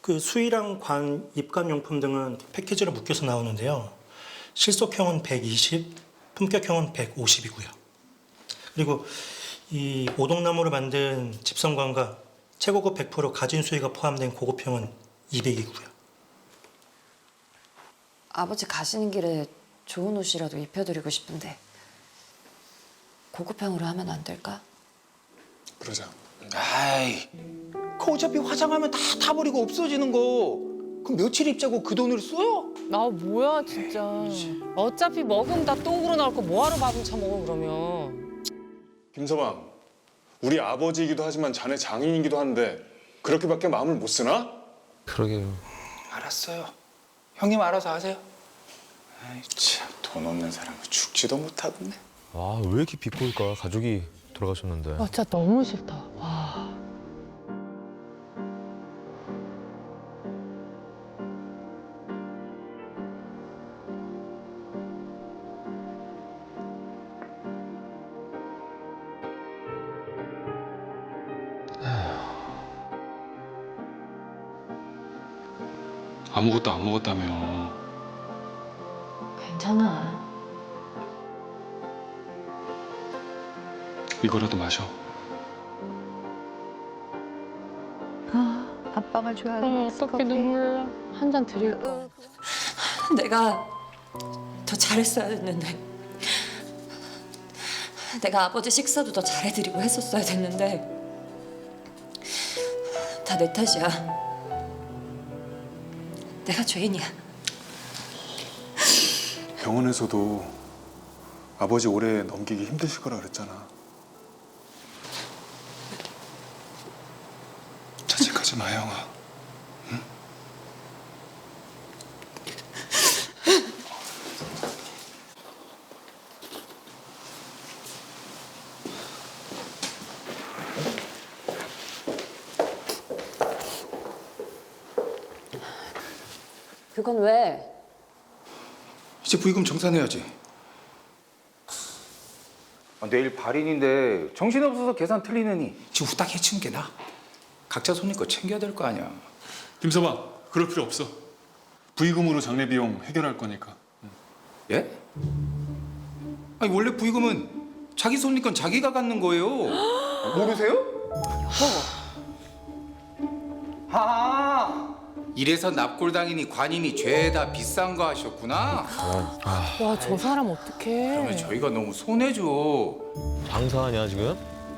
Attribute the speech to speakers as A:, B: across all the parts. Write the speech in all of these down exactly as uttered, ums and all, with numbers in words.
A: 그 수의랑 관, 입관용품 등은 패키지로 묶여서 나오는데요. 실속형은 백이십, 품격형은 백오십이고요. 그리고 이 오동나무로 만든 집성관과 최고급 백 퍼센트 가진 수의가 포함된 고급형은 이백이고요.
B: 아버지 가시는 길에 좋은 옷이라도 입혀드리고 싶은데 고급형으로 하면 안 될까?
C: 그러자.
D: 아이, 그 어차피 화장하면 다 타버리고 없어지는 거. 그럼 며칠 입자고 그 돈을 써요?
E: 나 뭐야 진짜. 어차피 먹으면 다 똥으로 나올 거 뭐하러 밥은 처먹어 그러면.
C: 김서방, 우리 아버지이기도 하지만 자네 장인이기도 한데 그렇게밖에 마음을 못 쓰나?
F: 그러게요.
D: 알았어요. 형님 알아서 하세요. 아이 참, 돈 없는 사람은 죽지도 못하겠네.
F: 아, 왜 이렇게 비꼴까? 가족이 돌아가셨는데.
E: 아 진짜 너무 싫다. 와.
C: 아무것도 안 먹었다며.
B: 괜찮아.
C: 이거라도 마셔.
G: 아빠가 좋아하는
E: 어, 어떻게 눈물 나. 한 잔 드릴까.
B: 내가 더 잘했어야 했는데 내가 아버지 식사도 더 잘해드리고 했었어야 됐는데 다 내 탓이야. 내가 죄인이야.
C: 병원에서도 아버지 오래 넘기기 힘드실 거라 그랬잖아. 자책하지 마, 형아. 응?
B: 그건 왜?
D: 이제 부의금 정산해야지. 아, 내일 발인인데 정신없어서 계산 틀리느니 지금 후딱 해치는 게 나아. 각자 손님 거 챙겨야 될 거 아니야.
C: 김서방, 그럴 필요 없어. 부의금으로 장례 비용 해결할 거니까.
D: 예? 아니 원래 부의금은 자기 손님 건 자기가 갖는 거예요. 모르세요? 아, 이래서 납골당이니 관이니 죄다 비싼 거 하셨구나.
E: 와 저 사람 어떡해.
D: 그러면 저희가 너무 손해죠.
F: 장사하냐, 지금?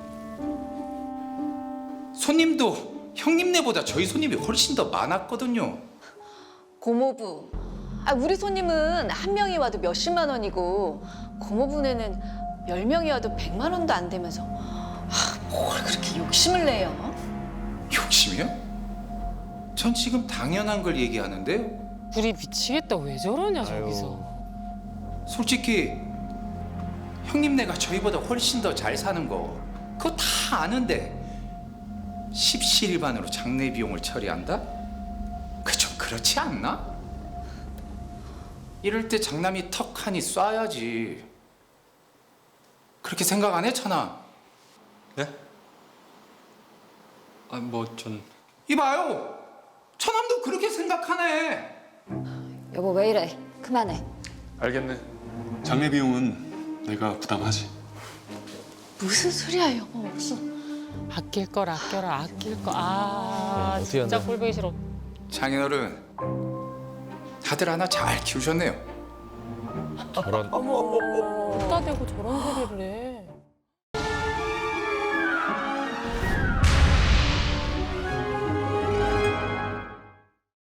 D: 손님도 형님네보다 저희 손님이 훨씬 더 많았거든요.
G: 고모부. 아, 우리 손님은 한 명이 와도 몇십만 원이고 고모부네는 열 명이 와도 백만 원도 안 되면서 아, 뭘 그렇게 욕심을 내요?
D: 욕심이요? 전 지금 당연한 걸 얘기하는데요.
E: 우리 미치겠다. 왜 저러냐 저기서.
D: 솔직히 형님네가 저희보다 훨씬 더 잘 사는 거 그거 다 아는데 십시일반으로 장례 비용을 처리한다? 그 좀 그렇지 않나? 이럴 때 장남이 턱하니 쏴야지. 그렇게 생각 안 해, 천아?
C: 네? 아, 뭐 전...
D: 이봐요! 천암도 그렇게 생각하네.
B: 여보 왜 이래? 그만해.
C: 알겠네. 장례 비용은 내가 부담하지.
G: 무슨 소리야, 여보.
E: 아낄 걸 아껴라 아낄 거. 아
F: 네, 어떻게
E: 진짜
F: 한다.
E: 꼴보기 싫어.
D: 장인어른, 다들 하나 잘 키우셨네요.
F: 저런.
E: 어디다 대고 저런 소리를 해.